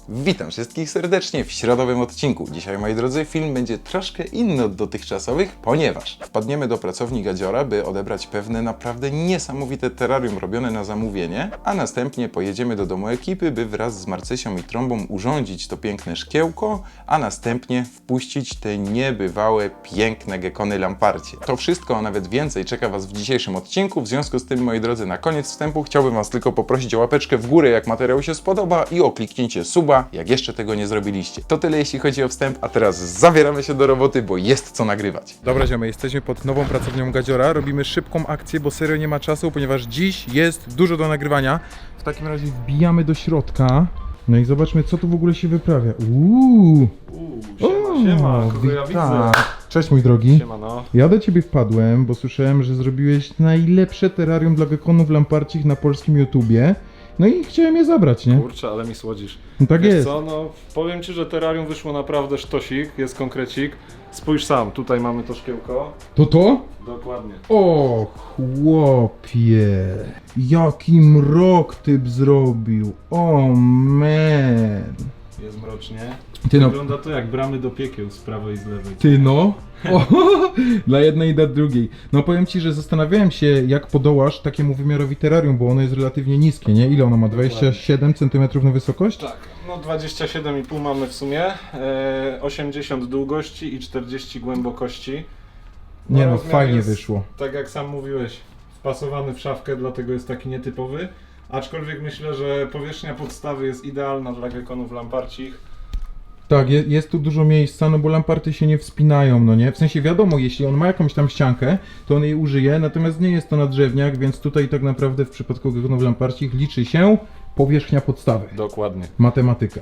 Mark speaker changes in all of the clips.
Speaker 1: Witam wszystkich serdecznie w środowym odcinku. Dzisiaj, moi drodzy, film będzie troszkę inny od dotychczasowych, ponieważ wpadniemy do pracowni Gadziora, by odebrać pewne naprawdę niesamowite terrarium robione na zamówienie, a następnie pojedziemy do domu ekipy, by wraz z Marcysią i Trąbą urządzić to piękne szkiełko, a następnie wpuścić te niebywałe, piękne gekony lamparcie. To wszystko, a nawet więcej czeka Was w dzisiejszym odcinku, w związku z tym, moi drodzy, na koniec wstępu chciałbym Was tylko poprosić o łapeczkę w górę, jak materiał się spodoba, i o kliknięcie suba, jak jeszcze tego nie zrobiliście. To tyle, jeśli chodzi o wstęp, a teraz zabieramy się do roboty, bo jest co nagrywać. Dobra, ziomy, jesteśmy pod nową pracownią Gadziora, robimy szybką akcję, bo serio nie ma czasu, ponieważ dziś jest dużo do nagrywania. W takim razie wbijamy do środka, no i zobaczmy, co tu w ogóle się wyprawia.
Speaker 2: Siema, kogo ja widzę?
Speaker 1: Cześć, mój drogi.
Speaker 2: Siemano.
Speaker 1: Ja do ciebie wpadłem, bo słyszałem, że zrobiłeś najlepsze terrarium dla gekonów lamparcich na polskim YouTubie. No i chciałem je zabrać, nie?
Speaker 2: Kurczę, ale mi słodzisz.
Speaker 1: No tak
Speaker 2: Wiesz
Speaker 1: jest.
Speaker 2: co, no powiem ci, że terrarium wyszło naprawdę sztosik, jest konkrecik. Spójrz sam, tutaj mamy to szkiełko.
Speaker 1: To?
Speaker 2: Dokładnie.
Speaker 1: O, chłopie. Jaki mrok typ zrobił. O, man.
Speaker 2: Jest mrocznie.
Speaker 1: Ty no.
Speaker 2: Wygląda to jak bramy do piekieł z prawej i z lewej.
Speaker 1: Ty no. O, dla jednej i dla drugiej. No powiem ci, że zastanawiałem się, jak podołasz takiemu wymiarowi terrarium, bo ono jest relatywnie niskie, nie? Ile ono ma? 27 cm na wysokość?
Speaker 2: Tak, no 27,5 mamy w sumie, 80 długości i 40 głębokości.
Speaker 1: Nie no,
Speaker 2: rozmiar
Speaker 1: fajnie
Speaker 2: jest,
Speaker 1: wyszło.
Speaker 2: Tak jak sam mówiłeś, wpasowany w szafkę, dlatego jest taki nietypowy. Aczkolwiek myślę, że powierzchnia podstawy jest idealna dla gekonów lamparcich.
Speaker 1: Tak, jest tu dużo miejsca, no bo lamparty się nie wspinają, no nie? W sensie wiadomo, jeśli on ma jakąś tam ściankę, to on jej użyje, natomiast nie jest to nadrzewniak, więc tutaj tak naprawdę w przypadku gekonów lamparcich liczy się powierzchnia podstawy.
Speaker 2: Dokładnie.
Speaker 1: Matematyka.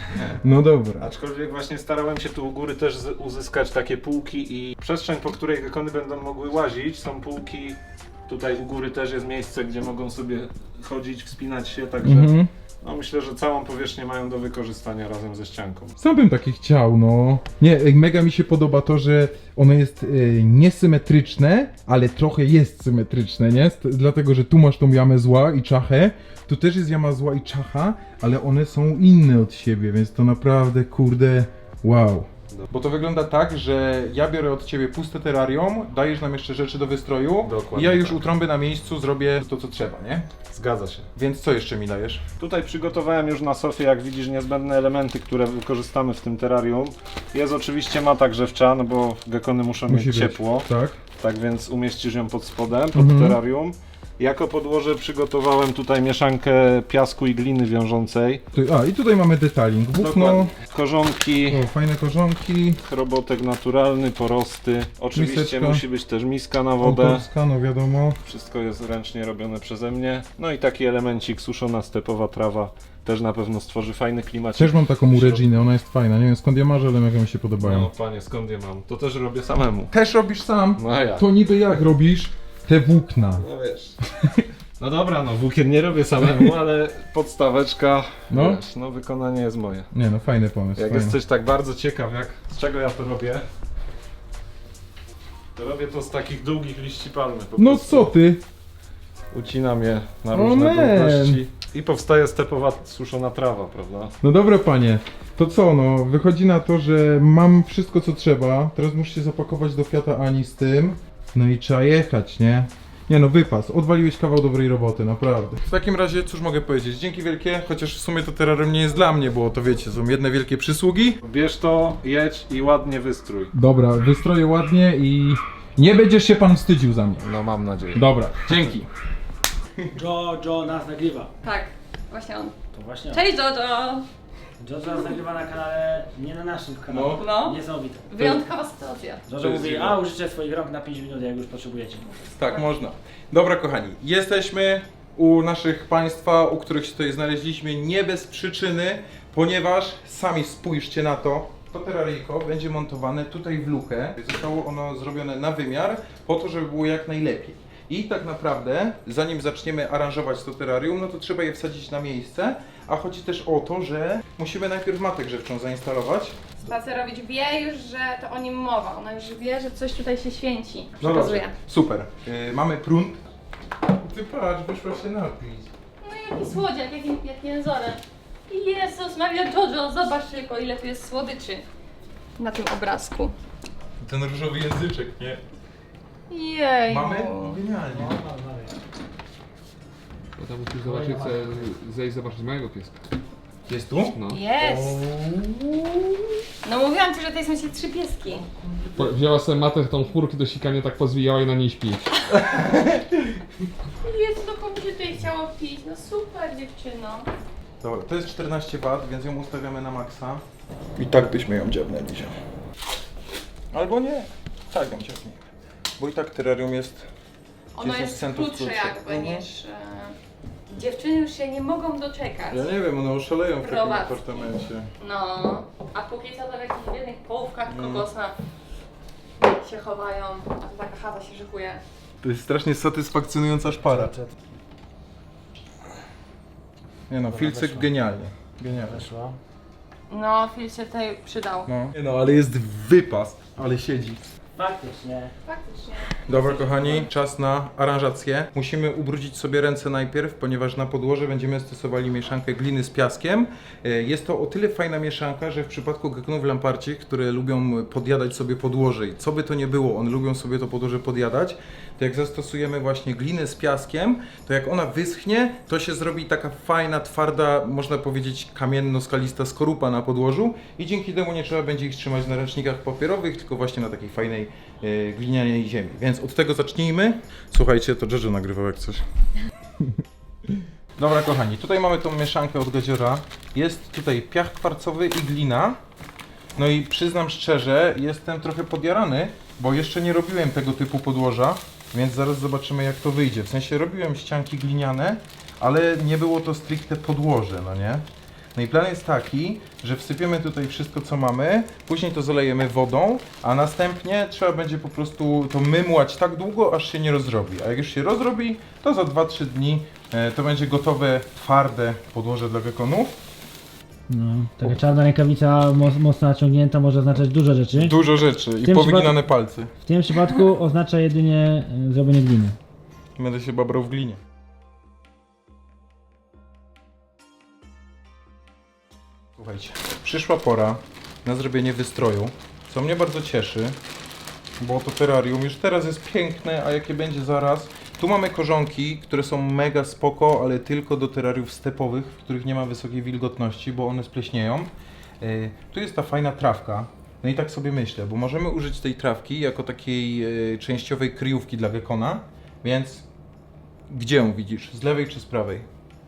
Speaker 1: No dobra.
Speaker 2: Aczkolwiek właśnie starałem się tu u góry też uzyskać takie półki i przestrzeń, po której gekony będą mogły łazić. Są półki, tutaj u góry też jest miejsce, gdzie mogą sobie chodzić, wspinać się, także no myślę, że całą powierzchnię mają do wykorzystania razem ze ścianką.
Speaker 1: Sam bym takie chciał, no. Nie, mega mi się podoba to, że ono jest niesymetryczne, ale trochę jest symetryczne, nie? Dlatego, że tu masz tą jamę zła i czachę, tu też jest jama zła i czacha, ale one są inne od siebie, więc to naprawdę, kurde, wow. Bo to wygląda tak, że ja biorę od ciebie puste terrarium, dajesz nam jeszcze rzeczy do wystroju.
Speaker 2: Dokładnie
Speaker 1: i ja już
Speaker 2: tak.
Speaker 1: u Trąby na miejscu zrobię to, co trzeba, nie?
Speaker 2: Zgadza się.
Speaker 1: Więc co jeszcze mi dajesz?
Speaker 2: Tutaj przygotowałem już na sofie, jak widzisz, niezbędne elementy, które wykorzystamy w tym terrarium. Jest oczywiście mata grzewcza, no bo gekony muszą mieć ciepło.
Speaker 1: Tak.
Speaker 2: Tak więc umieścisz ją pod spodem, pod terrarium. Jako podłoże przygotowałem tutaj mieszankę piasku i gliny wiążącej.
Speaker 1: I tutaj mamy detaling. Włókno,
Speaker 2: Dokładnie. Korzonki,
Speaker 1: fajne korzonki,
Speaker 2: chrobotek naturalny, porosty. Oczywiście
Speaker 1: Miseczka.
Speaker 2: musi być też miska na wodę.
Speaker 1: autorska, no wiadomo.
Speaker 2: Wszystko jest ręcznie robione przeze mnie. No i taki elemencik, suszona stepowa trawa. Też na pewno stworzy fajny klimat.
Speaker 1: Też mam taką u Reginy, ona jest fajna. Nie wiem skąd ja marzę, ale mega mi się podobają.
Speaker 2: No panie, skąd je mam? To też robię samemu.
Speaker 1: Też robisz sam?
Speaker 2: No a ja.
Speaker 1: To niby jak robisz te włókna?
Speaker 2: No wiesz. No dobra, no włókien nie robię samemu, ale podstaweczka,
Speaker 1: No.
Speaker 2: wiesz, no wykonanie jest moje.
Speaker 1: Nie no, fajny pomysł.
Speaker 2: Jak
Speaker 1: fajny.
Speaker 2: jesteś tak bardzo ciekaw, z czego ja to robię, to robię to z takich długich liści palmy. Po
Speaker 1: No
Speaker 2: prostu
Speaker 1: co ty?
Speaker 2: Ucinam je na
Speaker 1: O
Speaker 2: różne
Speaker 1: man.
Speaker 2: długości i powstaje stepowa suszona trawa, prawda?
Speaker 1: No dobra panie, to co no, wychodzi na to, że mam wszystko co trzeba. Teraz muszę się zapakować do Fiata Ani z tym. No i trzeba jechać, nie? Nie no, wypas, odwaliłeś kawał dobrej roboty, naprawdę. W takim razie, cóż mogę powiedzieć, dzięki wielkie, chociaż w sumie to terrarium nie jest dla mnie, bo to wiecie, są jedne wielkie przysługi.
Speaker 2: Bierz to, jedź i ładnie wystrój.
Speaker 1: Dobra, wystroję ładnie i nie będziesz się pan wstydził za mnie.
Speaker 2: No mam nadzieję.
Speaker 1: Dobra, dzięki.
Speaker 3: Joe nas nagrywa.
Speaker 4: Tak, właśnie on.
Speaker 3: To właśnie on.
Speaker 4: Cześć Jojo!
Speaker 3: Joe nas nagrywa na kanale, nie na naszym kanale.
Speaker 4: No.
Speaker 3: Niesamowite.
Speaker 4: Wyjątkowa sytuacja.
Speaker 3: Joe mówi, a użycie swoich rąk na 5 minut, jak już potrzebujecie.
Speaker 1: Tak, można. Dobra kochani, jesteśmy u naszych państwa, u których się tutaj znaleźliśmy nie bez przyczyny, ponieważ sami spójrzcie na to. To terraryjko będzie montowane tutaj w lukę. Zostało ono zrobione na wymiar, po to, żeby było jak najlepiej. I tak naprawdę, zanim zaczniemy aranżować to terrarium, no to trzeba je wsadzić na miejsce, a chodzi też o to, że musimy najpierw matę grzewczą zainstalować.
Speaker 4: Spacerowicz wie już, że to o nim mowa. Ona już wie, że coś tutaj się święci.
Speaker 1: No
Speaker 4: Przekazuje.
Speaker 1: dobrze, super. Mamy prąd. Ty patrz, wyszła się napić.
Speaker 4: No jaki słodziak, jak jęzorek. Jezus Maria Jojo, zobacz tylko ile tu jest słodyczy na tym obrazku.
Speaker 1: Ten różowy języczek, nie?
Speaker 4: Jej.
Speaker 1: Genialnie.
Speaker 5: No tam musisz zobaczyć, zejść zobaczyć mojego pieska.
Speaker 1: Jest tu?
Speaker 5: No.
Speaker 4: Jest. No mówiłam ci, że tutaj są się 3 pieski.
Speaker 5: Wzięła sobie matę tą chmurkę do sikania, tak pozwijała i na niej śpi.
Speaker 4: Jezu, no komu się tutaj chciało pić? No super dziewczyno.
Speaker 1: Dobra, to jest 14 W, więc ją ustawiamy na maksa. I tak byśmy ją dziabnęli. Albo nie. Tak ją dziabnijmy. Bo i tak terrarium jest...
Speaker 4: Ono
Speaker 1: 10
Speaker 4: jest
Speaker 1: centów
Speaker 4: krótsze
Speaker 1: krótsze.
Speaker 4: jakby niż... Dziewczyny już się nie mogą doczekać.
Speaker 1: Ja nie wiem, one oszaleją w takim
Speaker 4: Prowadzki.
Speaker 1: apartamencie.
Speaker 4: No, a póki co to w jakichś biednych połówkach kokosa się chowają, a tu taka chata się szykuje.
Speaker 1: To jest strasznie satysfakcjonująca szpara. Nie no, filcyk genialnie. Genialnie.
Speaker 3: Weszło.
Speaker 4: No, Phil się tutaj przydał.
Speaker 1: No. Nie no, ale jest wypas, ale siedzi.
Speaker 3: Faktycznie.
Speaker 4: Faktycznie.
Speaker 1: Dobra kochani, czas na aranżację. Musimy ubrudzić sobie ręce najpierw, ponieważ na podłoże będziemy stosowali mieszankę gliny z piaskiem. Jest to o tyle fajna mieszanka, że w przypadku gekonów lamparcich, które lubią podjadać sobie podłoże i co by to nie było, one lubią sobie to podłoże podjadać, to jak zastosujemy właśnie glinę z piaskiem, to jak ona wyschnie, to się zrobi taka fajna, twarda, można powiedzieć kamienno-skalista skorupa na podłożu i dzięki temu nie trzeba będzie ich trzymać na ręcznikach papierowych, tylko właśnie na takiej fajnej glinianej ziemi. Więc od tego zacznijmy. Słuchajcie, to Jojo nagrywał jak coś. Dobra kochani, tutaj mamy tą mieszankę od Gadziora. Jest tutaj piach kwarcowy i glina. No i przyznam szczerze, jestem trochę podjarany, bo jeszcze nie robiłem tego typu podłoża, więc zaraz zobaczymy jak to wyjdzie. W sensie robiłem ścianki gliniane, ale nie było to stricte podłoże, no nie? No i plan jest taki, że wsypiemy tutaj wszystko co mamy, później to zalejemy wodą, a następnie trzeba będzie po prostu to mymłać tak długo, aż się nie rozrobi. A jak już się rozrobi, to za 2-3 dni to będzie gotowe, twarde podłoże dla gekonów.
Speaker 3: No, taka czarna rękawica mocno naciągnięta może oznaczać dużo rzeczy.
Speaker 1: Dużo rzeczy i
Speaker 3: tym
Speaker 1: powyginane palce.
Speaker 3: W tym przypadku oznacza jedynie zrobienie gliny.
Speaker 1: Będę się babrał w glinie. Słuchajcie, przyszła pora na zrobienie wystroju, co mnie bardzo cieszy, bo to terrarium już teraz jest piękne, a jakie będzie zaraz. Tu mamy korzonki, które są mega spoko, ale tylko do terrariów stepowych, w których nie ma wysokiej wilgotności, bo one spleśnieją. Tu jest ta fajna trawka. No i tak sobie myślę, bo możemy użyć tej trawki jako takiej częściowej kryjówki dla gekona, więc gdzie ją widzisz? Z lewej czy z prawej?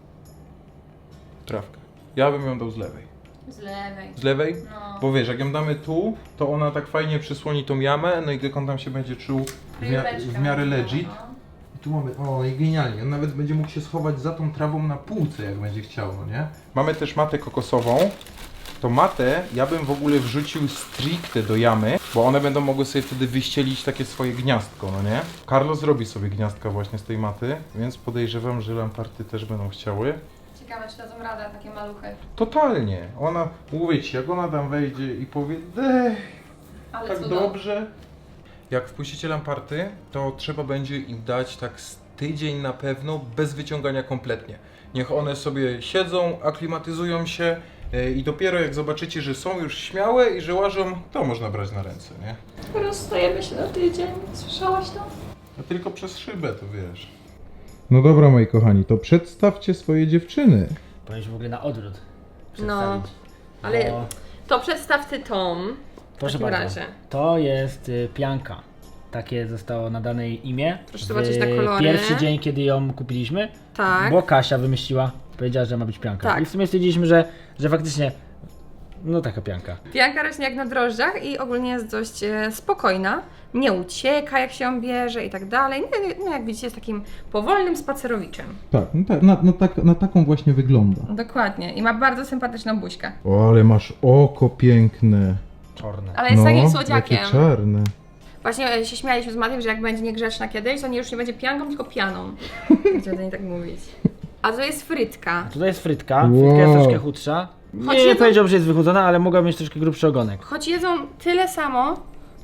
Speaker 1: Trawkę. Ja bym ją dał z lewej.
Speaker 4: Z lewej.
Speaker 1: Z lewej?
Speaker 4: No.
Speaker 1: Bo wiesz, jak ją damy tu, to ona tak fajnie przysłoni tą jamę, no i gekon tam się będzie czuł w miarę legit. I tu mamy, o i genialnie, on nawet będzie mógł się schować za tą trawą na półce, jak będzie chciał, no nie? Mamy też matę kokosową. To matę ja bym w ogóle wrzucił stricte do jamy, bo one będą mogły sobie wtedy wyścielić takie swoje gniazdko, no nie? Carlos zrobi sobie gniazdka właśnie z tej maty, więc podejrzewam, że lamparty też będą chciały.
Speaker 4: Ciekawe, czy dadzą radę takie maluchy.
Speaker 1: Totalnie. Ona, mówię ci, jak ona tam wejdzie i powie, dech,
Speaker 4: Ale
Speaker 1: tak
Speaker 4: cudo.
Speaker 1: dobrze. Jak wpuścicie lamparty, to trzeba będzie im dać tak z tydzień na pewno, bez wyciągania kompletnie. Niech one sobie siedzą, aklimatyzują się i dopiero jak zobaczycie, że są już śmiałe i że łażą, to można brać na ręce, nie?
Speaker 4: Rozstajemy się na tydzień. Słyszałaś to?
Speaker 1: A tylko przez szybę, to wiesz. No dobra, moi kochani, to przedstawcie swoje dziewczyny.
Speaker 3: Powinniśmy w ogóle na odwrót
Speaker 4: No,
Speaker 3: przedstawić.
Speaker 4: ale
Speaker 3: Bo,
Speaker 4: to przedstaw ty Tom.
Speaker 3: proszę
Speaker 4: takim
Speaker 3: bardzo,
Speaker 4: razie.
Speaker 3: to jest pianka. Takie zostało nadane jej imię.
Speaker 4: Proszę zobaczyć na kolory.
Speaker 3: Pierwszy dzień, kiedy ją kupiliśmy,
Speaker 4: Tak.
Speaker 3: bo Kasia wymyśliła, powiedziała, że ma być pianka.
Speaker 4: Tak.
Speaker 3: I w sumie stwierdziliśmy, że faktycznie, no taka pianka.
Speaker 4: Pianka rośnie jak na drożdżach i ogólnie jest dość spokojna. Nie ucieka jak się ją bierze i tak dalej. No jak widzicie jest takim powolnym spacerowiczem.
Speaker 1: Tak, na taką właśnie wygląda.
Speaker 4: Dokładnie. I ma bardzo sympatyczną buźkę.
Speaker 1: O, ale masz oko piękne.
Speaker 3: Czarne.
Speaker 4: Ale jest takim
Speaker 1: jakie
Speaker 4: słodziakiem.
Speaker 1: czarne.
Speaker 4: Właśnie się śmialiśmy z Matiem, że jak będzie niegrzeczna kiedyś, to nie już nie będzie pianką, tylko pianą. Będziemy do niej tak mówić. A to jest frytka.
Speaker 3: Tutaj jest frytka.
Speaker 1: Wow.
Speaker 3: Frytka jest troszkę chudsza.
Speaker 4: Choć
Speaker 3: Nie
Speaker 4: jedzą-
Speaker 3: powiedziałbym, że jest wychudzona, ale mogła mieć troszkę grubszy ogonek.
Speaker 4: Choć jedzą tyle samo,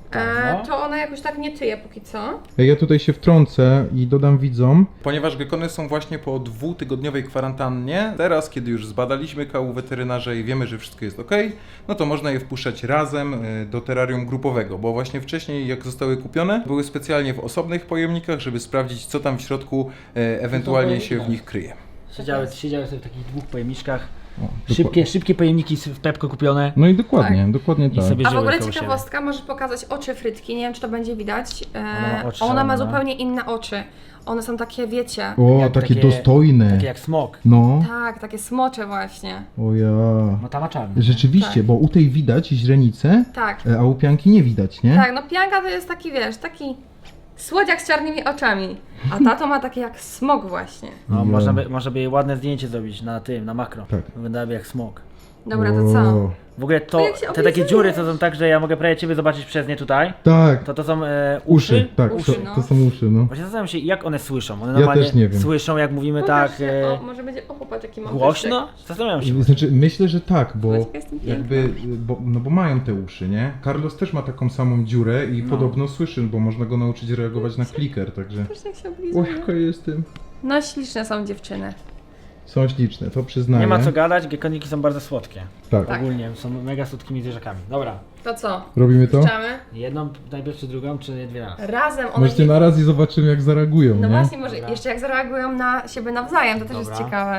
Speaker 3: No.
Speaker 4: to ona jakoś tak nie tyje póki co.
Speaker 1: Ja tutaj się wtrącę i dodam widzom. Ponieważ gekony są właśnie po 2-tygodniowej kwarantannie, teraz kiedy już zbadaliśmy kału weterynarza i wiemy, że wszystko jest ok, no to można je wpuszczać razem do terrarium grupowego, bo właśnie wcześniej jak zostały kupione, były specjalnie w osobnych pojemnikach, żeby sprawdzić co tam w środku ewentualnie się w nich kryje.
Speaker 3: Siedziały sobie w takich 2 pojemniczkach.
Speaker 1: O,
Speaker 3: Szybkie pojemniki w Pepko kupione.
Speaker 1: No i dokładnie
Speaker 3: I
Speaker 1: tak.
Speaker 3: sobie
Speaker 4: A w
Speaker 3: żyły
Speaker 4: ogóle
Speaker 3: koło
Speaker 4: ciekawostka, możesz pokazać oczy frytki, nie wiem czy to będzie widać.
Speaker 3: Ona ma oczy
Speaker 4: Ona ma
Speaker 3: szalone.
Speaker 4: zupełnie inne oczy. One są takie, wiecie,
Speaker 1: O,
Speaker 3: Jak
Speaker 1: takie
Speaker 3: takie-
Speaker 1: dostojne.
Speaker 3: Takie jak smok.
Speaker 1: No,
Speaker 4: tak, takie smocze właśnie.
Speaker 1: o ja.
Speaker 3: No ta ma czarny.
Speaker 1: Rzeczywiście,
Speaker 4: Tak.
Speaker 1: bo u tej widać źrenicę,
Speaker 4: Tak,
Speaker 1: a u pianki nie widać, nie?
Speaker 4: tak, no pianka to jest taki, wiesz, taki słodziak z czarnymi oczami. A tato ma takie jak smok właśnie.
Speaker 3: No,
Speaker 1: Ja.
Speaker 3: można by jej ładne zdjęcie zrobić na makro.
Speaker 1: Tak.
Speaker 3: Wyglądałaby jak smok.
Speaker 4: Dobra, to co?
Speaker 1: O,
Speaker 3: W ogóle
Speaker 4: To
Speaker 3: to,
Speaker 4: jak się
Speaker 3: te takie
Speaker 4: oblizujesz.
Speaker 3: dziury, co są tak, że ja mogę prawie ciebie zobaczyć przez nie tutaj.
Speaker 1: Tak,
Speaker 3: To są
Speaker 1: uszy, tak,
Speaker 4: Uszy,
Speaker 1: to,
Speaker 4: no.
Speaker 1: to są uszy, no.
Speaker 3: Właśnie zastanawiam się, jak one słyszą. One
Speaker 1: Ja
Speaker 3: normalnie
Speaker 1: też nie wiem.
Speaker 3: słyszą, jak mówimy tak
Speaker 4: Pokażcie. O, może będzie, o popatrz jaki mam
Speaker 3: głośno. Zastanawiam się.
Speaker 1: Znaczy, myślę, że tak, bo
Speaker 4: Zobacz, jaka jestem piękna.
Speaker 1: jakby, bo mają te uszy, nie? Carlos też ma taką samą dziurę i
Speaker 3: No.
Speaker 1: podobno słyszy, bo można go nauczyć reagować na kliker, także...
Speaker 4: Patrz jak się oblizuje.
Speaker 1: Oj, jaka jestem.
Speaker 4: No śliczne są dziewczyny.
Speaker 1: Są śliczne, to przyznaję.
Speaker 3: Nie ma co gadać, gekoniki są bardzo słodkie.
Speaker 1: Tak.
Speaker 4: Tak.
Speaker 3: Ogólnie są mega słodkimi zwierzakami. Dobra,
Speaker 4: To co?
Speaker 1: Robimy to?
Speaker 4: Puszczamy?
Speaker 3: jedną najpierw czy drugą, czy dwie raz?
Speaker 4: Razem one
Speaker 1: Możecie
Speaker 4: nie...
Speaker 1: naraz i zobaczymy jak zareagują,
Speaker 4: No
Speaker 1: nie?
Speaker 4: właśnie, może
Speaker 3: Dobra.
Speaker 4: jeszcze jak zareagują na siebie nawzajem, to też jest
Speaker 3: Dobra.
Speaker 4: ciekawe.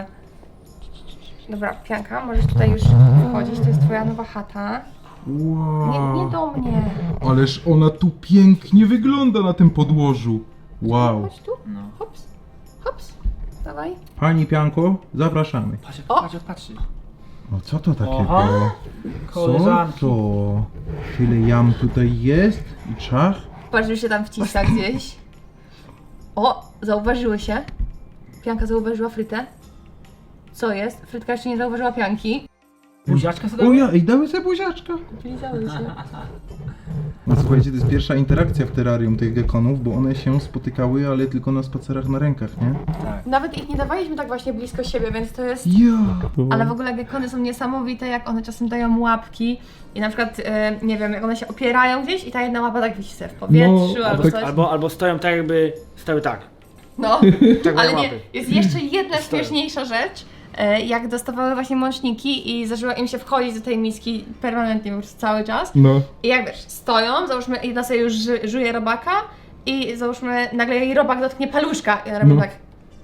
Speaker 4: Dobra, Pianka, możesz tutaj już wychodzić, to jest twoja nowa chata. Nie do mnie.
Speaker 1: Ależ ona tu pięknie wygląda na tym podłożu. Wow.
Speaker 4: Chodź tu,
Speaker 3: No.
Speaker 4: hops, hops, dawaj.
Speaker 1: Pani Pianko, zapraszamy.
Speaker 3: Patrz,
Speaker 4: O!
Speaker 3: patrz, patrzy.
Speaker 1: O, co to takiego?
Speaker 3: Oho.
Speaker 1: Co
Speaker 3: Koleżanki.
Speaker 1: to? Tyle jam tutaj jest i czach?
Speaker 4: Patrz, już się tam wciska gdzieś. O, zauważyły się. Pianka zauważyła frytę. Co jest? Frytka jeszcze nie zauważyła Pianki.
Speaker 3: Buziaczka sobie
Speaker 1: O
Speaker 3: dały?
Speaker 1: ja, i dały sobie buziaczka.
Speaker 4: Lizały się.
Speaker 1: No słuchajcie, to jest pierwsza interakcja w terrarium tych gekonów, bo one się spotykały, ale tylko na spacerach na rękach, nie?
Speaker 4: Nawet ich nie dawaliśmy tak właśnie blisko siebie, więc to jest...
Speaker 1: Ja.
Speaker 4: Ale w ogóle gekony są niesamowite, jak one czasem dają łapki i na przykład, nie wiem, jak one się opierają gdzieś i ta jedna łapa tak wisi sobie w powietrzu
Speaker 1: No,
Speaker 4: albo
Speaker 1: tak-
Speaker 4: coś.
Speaker 3: Albo stoją tak jakby stały tak.
Speaker 4: No,
Speaker 3: Tak
Speaker 4: ale
Speaker 3: mają
Speaker 4: nie,
Speaker 3: łapy.
Speaker 4: jest jeszcze jedna
Speaker 3: Stoją.
Speaker 4: śmieszniejsza rzecz. Jak dostawały właśnie mączniki i zaczęło im się wchodzić do tej miski permanentnie już cały czas.
Speaker 1: No.
Speaker 4: I jak wiesz, stoją, załóżmy, jedna sobie już żuje robaka i załóżmy, nagle jej robak dotknie paluszka i ona robi
Speaker 1: No.
Speaker 4: tak.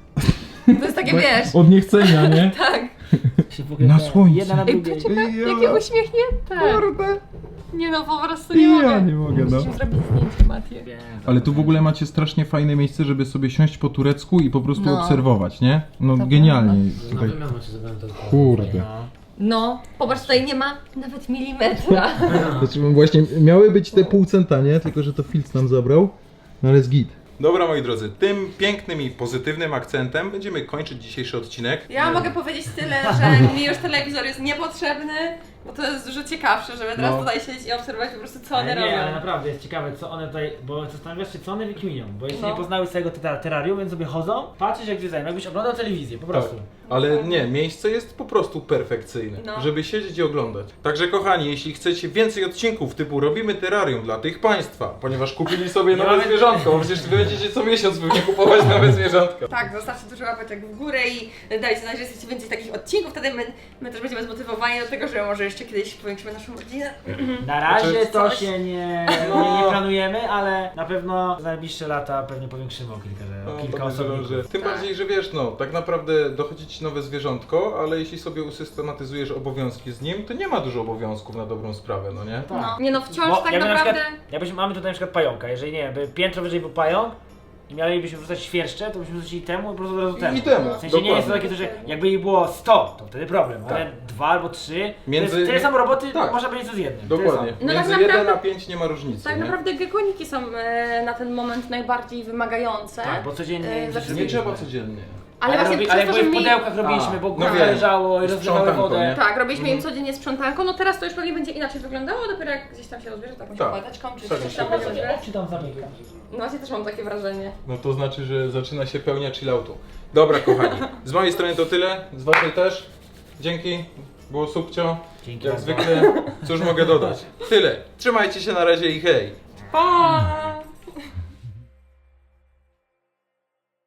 Speaker 4: To jest takie, wiesz,
Speaker 1: Od niechcenia, nie?
Speaker 4: tak,
Speaker 3: Się w ogóle
Speaker 1: Na
Speaker 3: te-
Speaker 1: słońcu.
Speaker 3: Jedna na
Speaker 4: Ej,
Speaker 3: drugiej.
Speaker 4: poczekaj,
Speaker 1: Ja.
Speaker 4: jakie uśmiechnięte.
Speaker 1: Kurde.
Speaker 4: Nie no, po prostu nie mogę.
Speaker 1: Ja nie mogę, no.
Speaker 4: Musimy zrobić zdjęcie, Matię.
Speaker 3: Wiem,
Speaker 1: Ale tu w ogóle macie strasznie fajne miejsce, żeby sobie siąść po turecku i po prostu
Speaker 4: No.
Speaker 1: obserwować, nie? No
Speaker 4: To
Speaker 1: genialnie. Tutaj. Kurde.
Speaker 4: No, popatrz, tutaj nie ma nawet milimetra.
Speaker 1: Znaczy, właśnie miały być te pół centa, nie? Tylko, że to Filc nam zabrał. No ale jest git. Dobra, moi drodzy, tym pięknym i pozytywnym akcentem będziemy kończyć dzisiejszy odcinek.
Speaker 4: Ja mogę powiedzieć tyle, że mi już telewizor jest niepotrzebny, bo to jest dużo ciekawsze, żeby teraz
Speaker 1: No.
Speaker 4: tutaj siedzieć i obserwować po prostu co one
Speaker 3: Ale nie, ale
Speaker 4: robią.
Speaker 3: naprawdę jest ciekawe, co one tutaj, bo zastanawiasz się, co one wykminią, bo jeszcze
Speaker 4: No.
Speaker 3: nie poznały swojego terrarium, więc sobie chodzą, patrzysz jak zwiedzają, jakbyś oglądał telewizję, po prostu.
Speaker 1: Ale nie, miejsce jest po prostu perfekcyjne,
Speaker 4: No.
Speaker 1: żeby siedzieć i oglądać. Także kochani, jeśli chcecie więcej odcinków typu robimy terrarium dla tych państwa, ponieważ kupili sobie nowe
Speaker 3: mamy-
Speaker 1: zwierzątko, bo przecież wy będziecie co miesiąc pewnie kupować nowe zwierzątka.
Speaker 4: Tak, zostawcie dużo łapeczek w górę i dajcie znać, że chcecie więcej takich odcinków, wtedy my też będziemy zmotywowani do tego, że może jeszcze kiedyś powiększymy naszą rodzinę.
Speaker 3: Na razie
Speaker 1: Znaczy,
Speaker 3: to
Speaker 4: coś-
Speaker 3: się nie planujemy, ale na pewno w najbliższe lata pewnie powiększymy o kilka osobników.
Speaker 1: Tym
Speaker 4: Tak.
Speaker 1: bardziej, że wiesz, no, tak naprawdę dochodzi ci nowe zwierzątko, ale jeśli sobie usystematyzujesz obowiązki z nim, to nie ma dużo obowiązków na dobrą sprawę, no nie?
Speaker 3: Tak.
Speaker 4: No, nie no, wciąż
Speaker 3: Bo
Speaker 4: tak
Speaker 3: jakby na
Speaker 4: naprawdę...
Speaker 3: przykład, mamy tutaj na przykład pająka, jeżeli nie wiem, by piętro wyżej był pająk i mielibyśmy wrzucać świerszcze, to byśmy wrzucili temu i po prostu od razu temu.
Speaker 1: I temu,
Speaker 3: W sensie nie jest to
Speaker 1: dokładnie.
Speaker 3: takie, że jakby ich było 100, to wtedy problem, ale 2 albo 3,
Speaker 1: Między-
Speaker 3: tyle samo roboty
Speaker 1: Tak.
Speaker 3: można będzie co z jednym. tyle
Speaker 1: Dokładnie.
Speaker 3: samo.
Speaker 4: No tak
Speaker 1: Między
Speaker 4: naprawdę-
Speaker 1: 1 a 5 nie ma różnicy,
Speaker 4: Tak
Speaker 1: nie?
Speaker 4: naprawdę gekoniki są na ten moment najbardziej wymagające.
Speaker 3: Tak, bo codziennie
Speaker 4: Znaczy-
Speaker 1: Nie trzeba codziennie.
Speaker 4: Ale właśnie
Speaker 3: ale
Speaker 4: przez
Speaker 3: jak
Speaker 4: to,
Speaker 3: były
Speaker 4: że
Speaker 3: w
Speaker 4: mi...
Speaker 3: pudełkach robiliśmy, bo
Speaker 1: No
Speaker 3: gówno
Speaker 1: wiem.
Speaker 3: leżało i rozlewały
Speaker 1: Sprzątanko,
Speaker 3: wodę.
Speaker 1: nie?
Speaker 4: Tak, robiliśmy im codziennie sprzątanko, no teraz to już pewnie będzie inaczej wyglądało, dopiero jak gdzieś tam się rozbierze taką
Speaker 1: Tak.
Speaker 4: pałeczką czy
Speaker 1: Tak,
Speaker 4: coś tam
Speaker 1: tak.
Speaker 4: będzie.
Speaker 3: Czy tam zamyka?
Speaker 4: No właśnie też mam takie wrażenie.
Speaker 1: No to znaczy, że zaczyna się pełnia chilloutu. Dobra, kochani, z mojej strony to tyle, z waszej też. Dzięki, było subcio.
Speaker 3: Dzięki
Speaker 1: Jak
Speaker 3: bardzo.
Speaker 1: zwykle, cóż mogę dodać? Tyle. Trzymajcie się na razie i hej!
Speaker 4: Pa!